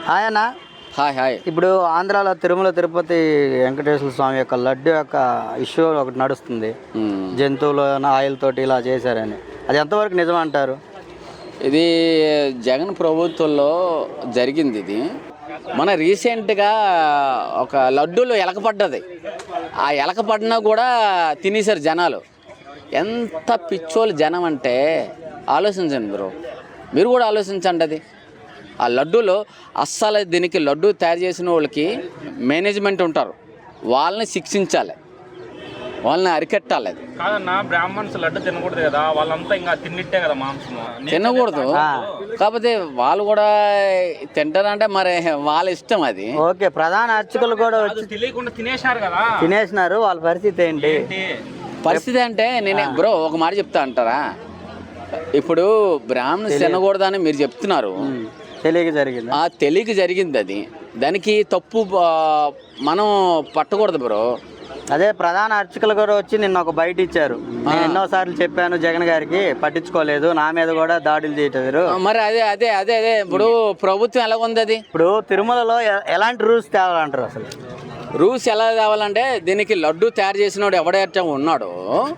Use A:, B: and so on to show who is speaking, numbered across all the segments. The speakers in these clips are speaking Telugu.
A: ఆయన
B: హాయ్ హాయ్.
A: ఇప్పుడు ఆంధ్రాలో తిరుమల తిరుపతి వెంకటేశ్వర స్వామి యొక్క లడ్డు యొక్క ఇష్యూ ఒకటి నడుస్తుంది. జంతువులు ఆయిల్ తోటి ఇలా చేశారని, అది ఎంతవరకు నిజం అంటారు?
B: ఇది జగన్ ప్రభుత్వంలో జరిగింది. ఇది మన రీసెంట్గా ఒక లడ్డూలో ఎలకపడ్డది. ఆ ఎలకపడినా కూడా తినేశారు జనాలు. ఎంత పిచ్చోళ్ళు జనం అంటే ఆలోచించండి బ్రో, మీరు కూడా ఆలోచించండి. అది ఆ లడ్డూలో అస్సలు దీనికి లడ్డు తయారు చేసిన వాళ్ళకి మేనేజ్మెంట్ ఉంటారు, వాళ్ళని శిక్షించాలి, వాళ్ళని అరికట్టాలి. అది
C: కాదన్నా, బ్రాహ్మణ్స్ లడ్డు తినకూడదు కదా, వాళ్ళంతా ఇంకా తిన్నిట్టే కదా మాంసం
B: తినకూడదు. కాకపోతే వాళ్ళు కూడా తింటారంటే మరి వాళ్ళ ఇష్టం అది.
A: ఓకే, ప్రధాన అర్చకులు కూడా వచ్చి
C: తెలియకుండా తినేశారు కదా,
A: తినేసినారు. వాళ్ళ పరిస్థితి ఏంటి?
B: పరిస్థితి అంటే నేనే బ్రో ఒక మాట చెప్తా అంటారా, ఇప్పుడు బ్రాహ్మణ్స్ తినకూడదని మీరు చెప్తున్నారు,
A: తెలియక జరిగింది.
B: తెలియక జరిగింది. అది దానికి తప్పు మనం పట్టకూడదు బ్రో.
A: అదే ప్రధాన అర్చకులు కూడా వచ్చి నిన్న ఒక బయట ఇచ్చారు. నేను ఎన్నోసార్లు చెప్పాను జగన్ గారికి, పట్టించుకోలేదు, నా మీద కూడా దాడులు చేయటారు.
B: మరి అదే అదే అదే అదే ఇప్పుడు ప్రభుత్వం ఎలా ఉంది? అది
A: ఇప్పుడు తిరుమలలో ఎలాంటి రూల్స్ తేవాలంటారు? అసలు
B: రూల్స్ ఎలా తేవాలంటే, దీనికి లడ్డు తయారు చేసినోడు ఎవడైతే ఉన్నాడో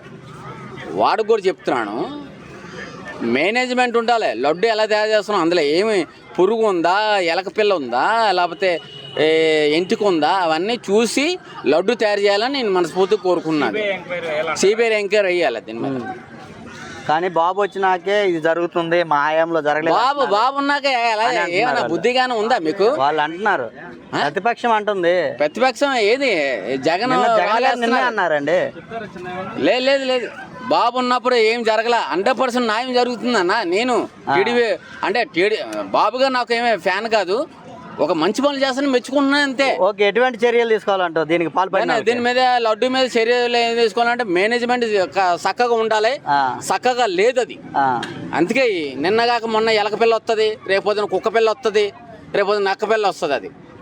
B: వాడు కూడా చెప్తున్నాను, మేనేజ్మెంట్ ఉండాలి. లడ్డు ఎలా తయారు చేస్తున్నాం, అందులో ఏమి పురుగు ఉందా, ఎలక పిల్ల ఉందా, లేకపోతే ఎంటిక ఉందా, అవన్నీ చూసి లడ్డు తయారు చేయాలని నేను మనస్ఫూర్తిగా కోరుకున్నాను. సిబిఐ ఎంక్వైరీ వేయాలి దీని మీద.
A: కానీ బాబు వచ్చినాకే ఇది జరుగుతుంది, మా హయాంలో జరగలేదు.
B: బాబు ఉన్నాక ఏమైనా బుద్ధిగానే ఉందా మీకు?
A: వాళ్ళు అంటున్నారు, ప్రతిపక్షం అంటుంది.
B: ప్రతిపక్షం ఏది? జగన్
A: నిన్నే అన్నారండి.
B: లేదు లేదు, బాబు ఉన్నప్పుడు ఏం జరగల, 100% న్యాయం జరుగుతుందన్న. నేను టీడీపీ అంటే బాబుగా నాకు ఏమే ఫ్యాన్ కాదు, ఒక మంచి పనులు చేస్తాను మెచ్చుకుంటున్నాను అంతే.
A: ఓకే, ఎటువంటి చర్యలు తీసుకోవాలంటావు దీనికి పాల్పడిన?
B: దీని మీద లడ్డు మీద చర్యలు ఏం తీసుకోవాలంటే మేనేజ్మెంట్ చక్కగా ఉండాలి, చక్కగా లేదు అది. అందుకే నిన్నగాక మొన్న ఎలక పిల్ల వస్తుంది, రేపొద్దున కుక్క పిల్ల వస్తుంది, రేపొద్దున నక్క పిల్ల వస్తుంది. అది